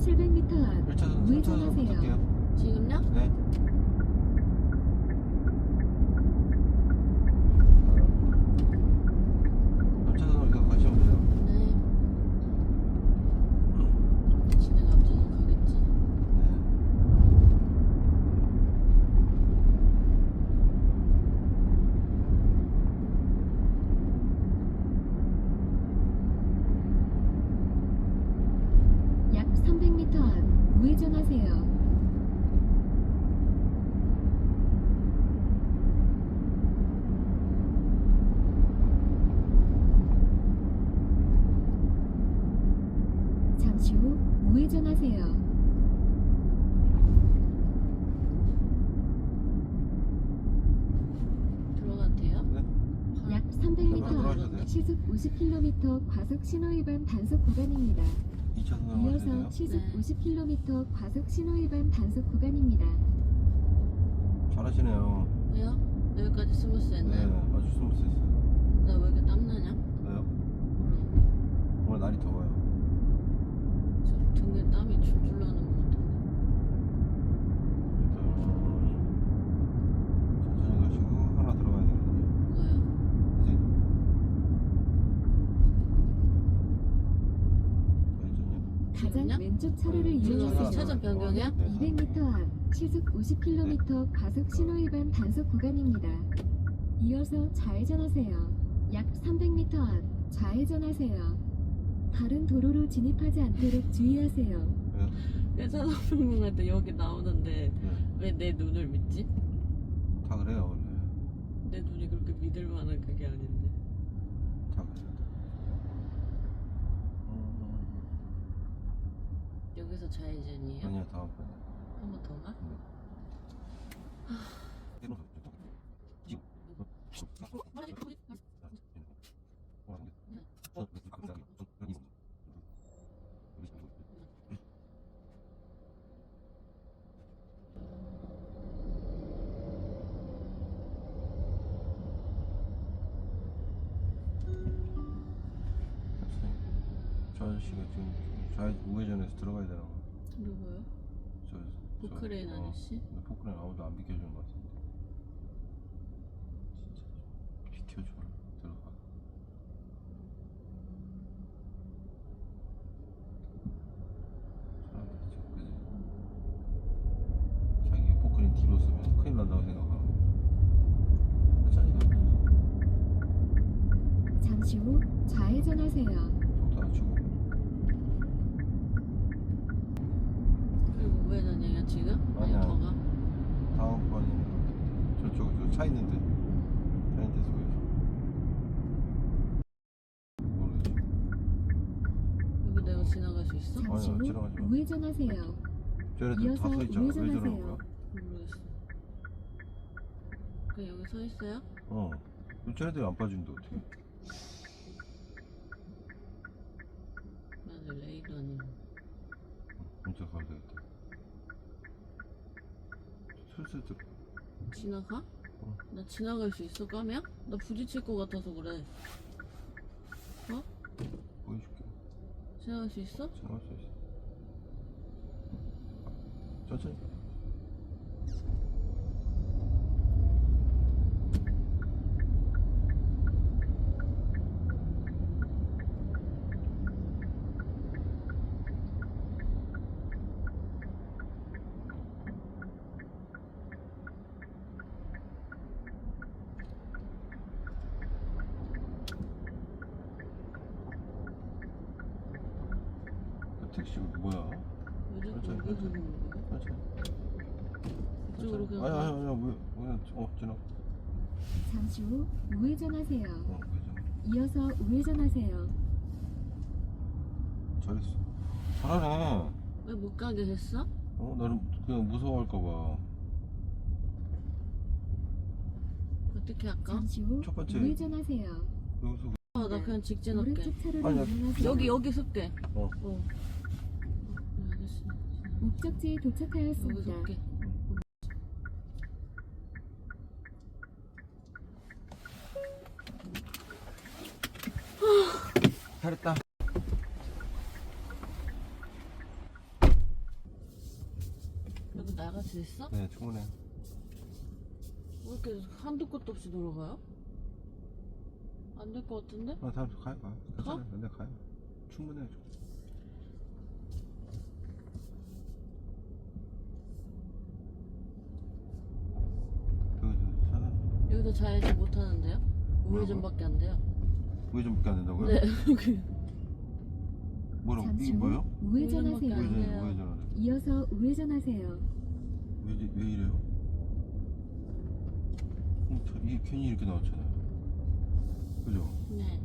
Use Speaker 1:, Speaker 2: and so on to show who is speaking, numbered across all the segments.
Speaker 1: 700m 앞
Speaker 2: 1차선
Speaker 1: 우회전하세요.
Speaker 2: 붙을게요.
Speaker 3: 지금요?
Speaker 2: 네. 아, 3차선으로 계속 가시면 돼요.
Speaker 3: 네. 지네가 앞차선 가겠지?
Speaker 2: 네.
Speaker 1: 약 300m 앞 우회전하세요. 잠시 후 우회전하세요.
Speaker 3: 들어가도 돼요?
Speaker 2: 네.
Speaker 1: 약
Speaker 2: 들어가셔도
Speaker 1: 300m
Speaker 2: 돼요.
Speaker 1: 앞 시속 50km 과속 신호위반 단속 구간입니다.
Speaker 2: 2차선으로 가셔야 돼요.
Speaker 1: 이어서 시속
Speaker 3: 네.
Speaker 1: 50km 과속 신호위반 단속 구간입니다.
Speaker 2: 잘하시네요.
Speaker 3: 왜요? 여기까지 스무스
Speaker 2: 네,
Speaker 3: 했나요?
Speaker 2: 아주 스무스 했어요.
Speaker 3: 나 왜 이렇게 땀나냐?
Speaker 2: 왜요?
Speaker 3: 몰라.
Speaker 2: 오늘 날이 더워요.
Speaker 3: 저 등에 땀이 줄줄 나는 것 같은데.
Speaker 2: 일단 천천히 가시고 하나 들어가야 되거든요.
Speaker 3: 뭐가요?
Speaker 2: 이제 좌회전이요.
Speaker 1: 가장
Speaker 3: 지금요?
Speaker 1: 왼쪽 차로를
Speaker 2: 네,
Speaker 1: 이용하세요.
Speaker 3: 차선 변경이야?
Speaker 2: 네,
Speaker 1: 200m 앞 시속 50km 과속 신호위반 단속 구간입니다. 이어서 좌회전하세요. 약 300m 앞 좌회전하세요. 다른 도로로 진입하지 않도록 주의하세요.
Speaker 2: 왜요?
Speaker 3: 내 차선 변경할 때 여기 나오는데
Speaker 2: 네.
Speaker 3: 왜 내 눈을 믿지?
Speaker 2: 다 그래요 원래.
Speaker 3: 내 눈이 그렇게 믿을 만한 그게 아닌데.
Speaker 2: 다 그래요.
Speaker 3: 여기서 좌회전이에요?
Speaker 2: 아니요 다음번에.
Speaker 3: 한 번 더 가?
Speaker 2: 저 아저씨가 지금 우회전해서 들어가야 되나 봐.
Speaker 3: 누구요?
Speaker 2: 저
Speaker 3: 포크레인 아저씨?
Speaker 2: 근데 포크레인 아무도 안 비켜주는 것 같은데. 진짜 비켜줘. 들어가. 사람들 참 그지. 자기가 포크레인 뒤로 쓰면 큰일 난다고 생각하고. 천천히 가.
Speaker 1: 잠시 후 좌회전하세요.
Speaker 2: 속도 낮추고.
Speaker 3: 그리고 우회전이에요 지금? 아니
Speaker 2: 아니야.
Speaker 3: 더 가?
Speaker 2: 다음번에 저쪽 차 있는데 차 있는 데서 모르겠어.
Speaker 3: 여기 내가 지나갈 수 있어?
Speaker 1: 잠시
Speaker 2: 아니요,
Speaker 1: 후
Speaker 2: 지나가지 마.
Speaker 1: 우회전하세요.
Speaker 2: 쟤네들
Speaker 1: 이어서
Speaker 2: 다 서 있잖아. 왜 저러는
Speaker 1: 우회전하세요.
Speaker 2: 거야?
Speaker 3: 모르겠어. 그냥 여기 서 있어요?
Speaker 2: 어. 쟤네들이 안 빠지는데 어떻게?
Speaker 3: 나는 레이도 아니고.
Speaker 2: 진짜 가야 되겠다. 슬슬 들어.
Speaker 3: 지나가?
Speaker 2: 어.
Speaker 3: 나 지나갈 수 있어 까면? 나 부딪힐 것 같아서 그래.
Speaker 2: 보여줄게.
Speaker 3: 지나갈 수 있어?
Speaker 2: 지나갈 수 있어. 천천히. 그 택시 뭐야?
Speaker 3: 왜 자꾸
Speaker 2: 천천히,
Speaker 3: 여기
Speaker 2: 천천히.
Speaker 3: 오는 거야?
Speaker 2: 천천히.
Speaker 3: 이쪽으로 그냥
Speaker 2: 아니
Speaker 3: 가.
Speaker 2: 왜 지나.
Speaker 1: 잠시 후 우회전하세요.
Speaker 2: 왜죠?
Speaker 1: 이어서 우회전하세요.
Speaker 2: 잘했어. 잘하네.
Speaker 3: 왜 못 가게 했어?
Speaker 2: 나는 그냥 무서워할까봐.
Speaker 3: 어떻게 할까?
Speaker 1: 잠시 후
Speaker 2: 첫 번째.
Speaker 1: 우회전하세요.
Speaker 2: 여기서
Speaker 3: 나 그냥 직진 할게.
Speaker 1: 오른쪽 차로를
Speaker 2: 아니야.
Speaker 1: 이용하세요.
Speaker 3: 여기 설게.
Speaker 2: 어.
Speaker 3: 이 아저씨.
Speaker 1: 목적지에
Speaker 3: 여기
Speaker 1: 도착하였습니다.
Speaker 3: 설게.
Speaker 2: 잘했다.
Speaker 3: 나갈 수 있어?
Speaker 2: 네, 충분해요.
Speaker 3: 왜 이렇게 한도 끝도 없이 돌아가요? 안 될 것 같은데?
Speaker 2: 다음 주 가요. 괜찮아요. 네, 가요. 충분해요.
Speaker 3: 여기서 좌회전 못 하는데요? 우회전밖에 안 돼요.
Speaker 2: 우회전밖에 안 된다고요?
Speaker 3: 네.
Speaker 2: 뭐라고?
Speaker 1: 잠시
Speaker 2: 이게
Speaker 1: 후
Speaker 2: 뭐예요?
Speaker 1: 우회전하세요.
Speaker 3: 우회전. 네.
Speaker 2: 우회전하래.
Speaker 1: 이어서 우회전하세요.
Speaker 2: 왜 이래요? 이게 괜히 이렇게 나왔잖아요. 그죠?
Speaker 3: 네.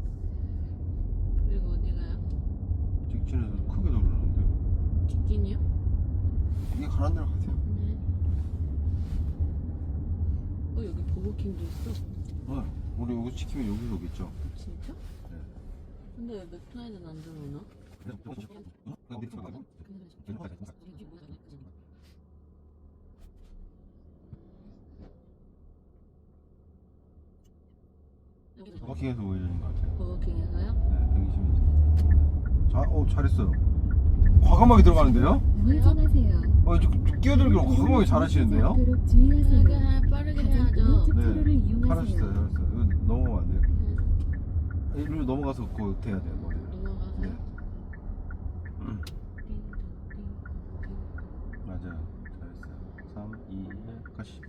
Speaker 3: 그리고 어디 가요?
Speaker 2: 직진해서 크게 돌리는데요.
Speaker 3: 직진이요?
Speaker 2: 이게 가는 대로 가세요.
Speaker 3: 네. 여기 버거킹도 있어.
Speaker 2: 우리 여기 지키면 여기서 오겠죠?
Speaker 3: 진짜?
Speaker 2: 네.
Speaker 3: 근데 왜 맥도날드는 안 들어오나?
Speaker 2: 버킹에서 우회전인 것 같아요.
Speaker 3: 버거킹에서요?
Speaker 2: 네, 120m. 잘했어요. 과감하게 들어가는데요?
Speaker 1: 우회전하세요.
Speaker 2: 이제 끼어들기로 과감하게 잘하시는데요?
Speaker 1: 않도록 주의하세요.
Speaker 3: 빠르게
Speaker 1: 가장
Speaker 3: 해야죠.
Speaker 1: 오른쪽
Speaker 2: 네.
Speaker 1: 도로를 이용하세요.
Speaker 2: 잘하셨어요. 이거 넘어가면 안 돼요. 이리로 넘어가서 그거 돼야 돼요. 머리를.
Speaker 3: 넘어가서요?
Speaker 2: 네. 맞아요. 잘했어요. 3, 2, 1, 가시.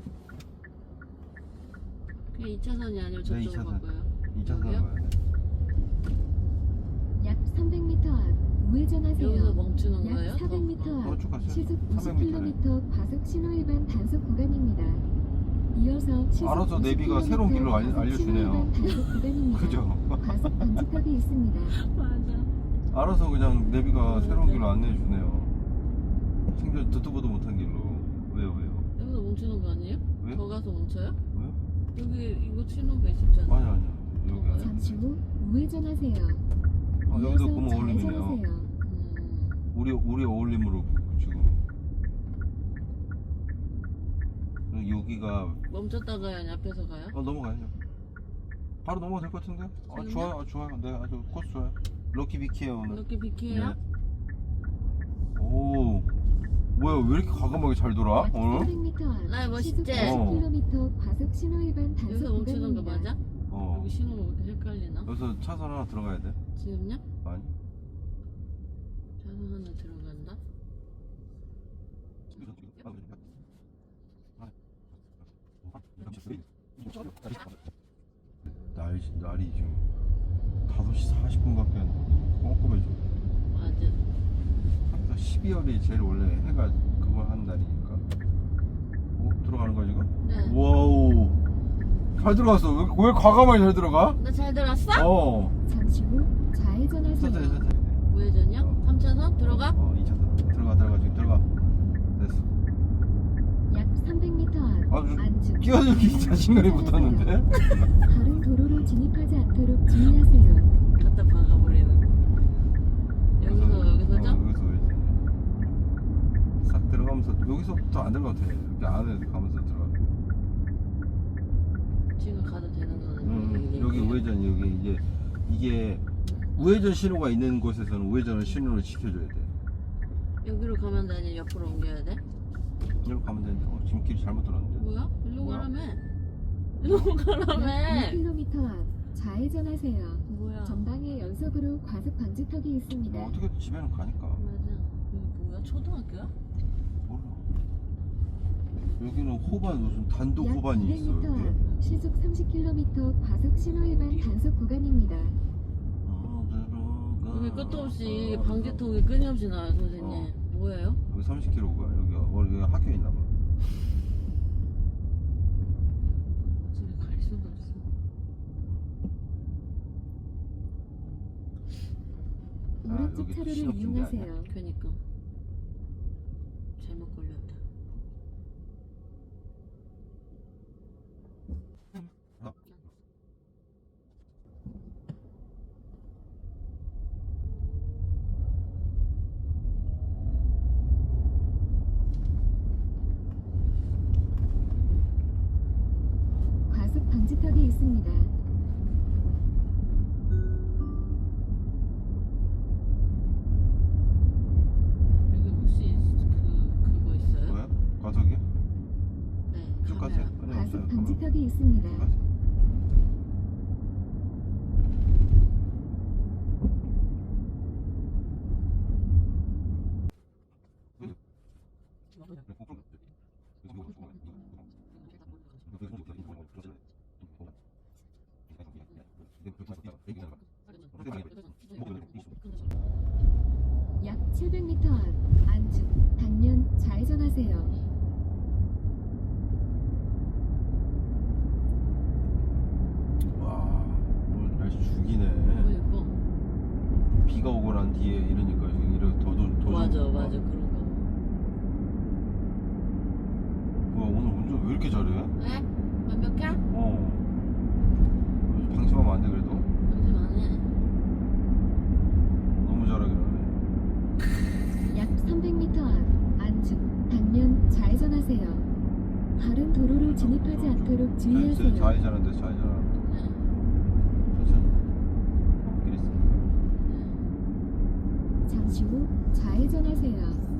Speaker 3: 그게 2차선이 아니면
Speaker 2: 네,
Speaker 3: 저쪽으로
Speaker 2: 2차선.
Speaker 3: 가고요.
Speaker 2: 2차선
Speaker 3: 여기요?
Speaker 2: 가야 돼.
Speaker 1: 약 300m 앞 우회전하세요.
Speaker 3: 여기서 멈추는
Speaker 1: 약
Speaker 3: 거예요?
Speaker 1: 400m 앞
Speaker 2: 쭉 갔어요.
Speaker 1: 시속
Speaker 2: 300m.
Speaker 1: 90km 과속 신호 위반 단속 구간입니다. 이어서 시속
Speaker 2: 알아서 내비가
Speaker 1: 90km
Speaker 2: 새로운 길로
Speaker 1: 과속
Speaker 2: 알려주네요.
Speaker 1: 신호 위반 단속 구간입니다.
Speaker 2: 그죠?
Speaker 1: 과속 방지턱이 있습니다.
Speaker 3: 맞아.
Speaker 2: 알아서 그냥 내비가 새로운 길로 안내해 주네요. 생전 듣도 보도 못한 길로. 왜요?
Speaker 3: 여기서 멈추는 거 아니에요?
Speaker 2: 왜?
Speaker 3: 더 가서 멈춰요?
Speaker 2: 왜요?
Speaker 3: 여기 이거 신호가 있었잖아.
Speaker 2: 아니요. 여기 아니에요.
Speaker 1: 잠시 후 우회전하세요.
Speaker 2: 여기도
Speaker 1: 이어서
Speaker 2: 그만 어울림이네요.
Speaker 1: 좌회전하세요.
Speaker 2: 우리 어울림으로 지금. 여기가
Speaker 3: 멈췄다가요? 아니 앞에서 가요?
Speaker 2: 넘어가야죠. 바로 넘어가도 될 것 같은데요?
Speaker 3: 지금요?
Speaker 2: 좋아요. 네, 아주 코스 좋아요. 럭키 비키에요 오늘.
Speaker 3: 이렇게 비키해요?
Speaker 2: 네. 오, 뭐야 왜 이렇게 과감하게 잘 돌아
Speaker 1: 약
Speaker 2: 오늘?
Speaker 1: 400m 앞
Speaker 3: 나 멋있지?
Speaker 1: 시속 90km 과속 신호 위반 단속
Speaker 3: 여기서 멈추는 거
Speaker 1: 구간입니다.
Speaker 3: 맞아? 여기 신호가 왜 이렇게 헷갈리나?
Speaker 2: 여기서 차선 하나 들어가야 돼.
Speaker 3: 지금요?
Speaker 2: 아니.
Speaker 3: 차선 하나 들어간다?
Speaker 2: 날이 지금 5시 40분밖에 안 꼼꼼해져.
Speaker 3: 맞아.
Speaker 2: 항상 12월이 제일 원래 해가 그걸 하는 날이니까. 들어가는 거야 지금?
Speaker 3: 네.
Speaker 2: 와우. 잘 들어갔어. 왜 과감하게 잘 들어가?
Speaker 3: 나 잘 들었어?
Speaker 1: 잠시 후 좌회전하세요.
Speaker 2: 천천히.
Speaker 3: 우회전이요? 3차선? 들어가?
Speaker 2: 2차선. 들어가 지금 들어가. 됐어.
Speaker 1: 약 300m 앞
Speaker 2: 아주
Speaker 1: 안쪽
Speaker 2: 끼어들기 자신감이 붙었는데?
Speaker 1: 다른 도로로 진입하지 않도록 주의하세요.
Speaker 3: 갖다 박아버리는. 여기서죠?
Speaker 2: 여기서 왜지? 싹 들어가면서 여기서부터 안 들어가도 돼. 이렇게 안에 가면서 들어가.
Speaker 3: 지금 가도 되는 거는
Speaker 2: 여기 우회전 여기 이게 우회전 신호가 있는 곳에서는 우회전을 신호를 지켜줘야 돼.
Speaker 3: 여기로 가면 돼? 아니면 옆으로 옮겨야 돼?
Speaker 2: 여기로 가면 되는데 지금 길 잘못 들었는데.
Speaker 3: 뭐야? 일로
Speaker 2: 뭐야?
Speaker 3: 가라며. 일로 가라며.
Speaker 1: 약 1km 앞 좌회전하세요.
Speaker 3: 뭐야?
Speaker 1: 전방에 연속으로 과속 방지턱이 있습니다.
Speaker 2: 뭐 어떻게 집에는 가니까.
Speaker 3: 맞아. 여기 뭐야? 초등학교야?
Speaker 2: 몰라. 여기는 호반 무슨 단독
Speaker 1: 약
Speaker 2: 호반이 있어
Speaker 1: 200m
Speaker 2: 여기.
Speaker 1: 앞 시속 30km 과속 신호 위반 단속 구간입니다.
Speaker 3: 여기 끝도 없이 방지턱이 끊임없이 나와요, 선생님. 뭐예요?
Speaker 2: 여기 30km가 여기 학교에 있나 봐.
Speaker 3: 집에 갈 수도 없어.
Speaker 1: 오른쪽
Speaker 2: 여기
Speaker 1: 차로를
Speaker 2: 신호 낀게
Speaker 1: 이용하세요.
Speaker 3: 그니까. 잘못 걸렸다.
Speaker 1: 과속 방지턱이 있습니다.
Speaker 3: 여기 혹시 그거 있어요?
Speaker 2: 뭐야?
Speaker 1: 정차석이 있습니다.
Speaker 2: 맞아.
Speaker 1: 약 700m 앞 안쪽 방면 좌회전하세요.
Speaker 2: 와, 오늘 날씨 죽이네.
Speaker 3: 너무 예뻐.
Speaker 2: 비가 오고 난 뒤에 이러니까 지금 이렇게 더
Speaker 3: 맞아
Speaker 2: 좋은
Speaker 3: 맞아
Speaker 2: 거야.
Speaker 3: 그런 거.
Speaker 2: 와, 오늘 운전 왜 이렇게 잘해?
Speaker 3: 왜? 완벽해?
Speaker 2: 방심하면 안 돼 그래도?
Speaker 3: 당신 안 해.
Speaker 2: 너무 잘하긴 하네.
Speaker 1: 약 300m 앞 안쪽 방면 좌회전하세요. 다른 도로로 진입하지 않도록 주의하세요.
Speaker 2: 좌회전한데 좌회전한다. 천천히. 길 있으니까.
Speaker 1: 잠시 후 좌회전하세요.